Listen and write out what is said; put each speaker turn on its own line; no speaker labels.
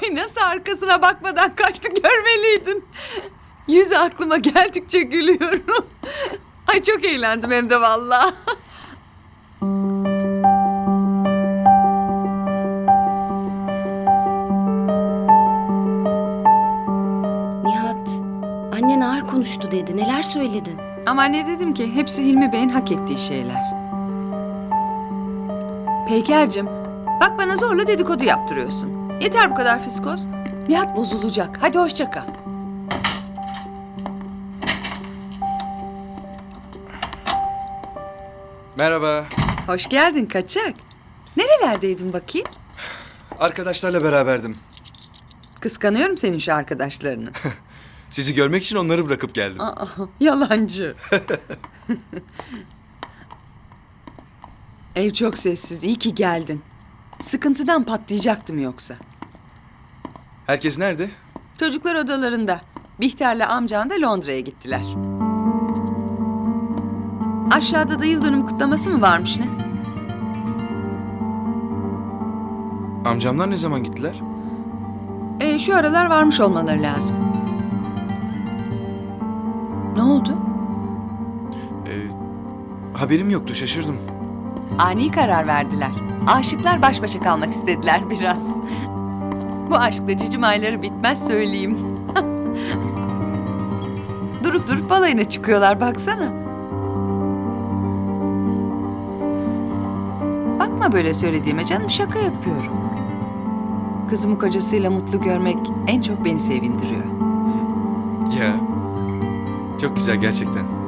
Ay nasıl arkasına bakmadan kaçtı görmeliydin. Yüzü aklıma geldikçe gülüyorum. Ay çok eğlendim hem de vallahi.
Nihat, annen ağır konuştu dedi. Neler söyledin?
Ama ne dedim ki hepsi Hilmi Bey'in hak ettiği şeyler. Peyker'cim bak bana zorla dedikodu yaptırıyorsun. Yeter bu kadar fiskoz. Nihat bozulacak. Hadi hoşça kal.
Merhaba.
Hoş geldin kaçak. Nerelerdeydin bakayım?
Arkadaşlarla beraberdim.
Kıskanıyorum senin şu arkadaşlarını.
Sizi görmek için onları bırakıp geldim.
Aa, yalancı. Ev çok sessiz. İyi ki geldin. Sıkıntıdan patlayacaktım yoksa.
Herkes nerede?
Çocuklar odalarında. Bihter'le amcan da Londra'ya gittiler. Aşağıda da yıl dönümü kutlaması mı varmış ne?
Amcamlar ne zaman gittiler?
Şu aralar varmış olmaları lazım. Ne oldu?
Haberim yoktu, şaşırdım.
Ani karar verdiler. Aşıklar baş başa kalmak istediler biraz. Bu aşkta cicim ayları bitmez söyleyeyim. Durup durup balayına çıkıyorlar baksana. Bakma böyle söylediğime canım, şaka yapıyorum. Kızımı kocasıyla mutlu görmek en çok beni sevindiriyor.
Ya, çok güzel gerçekten.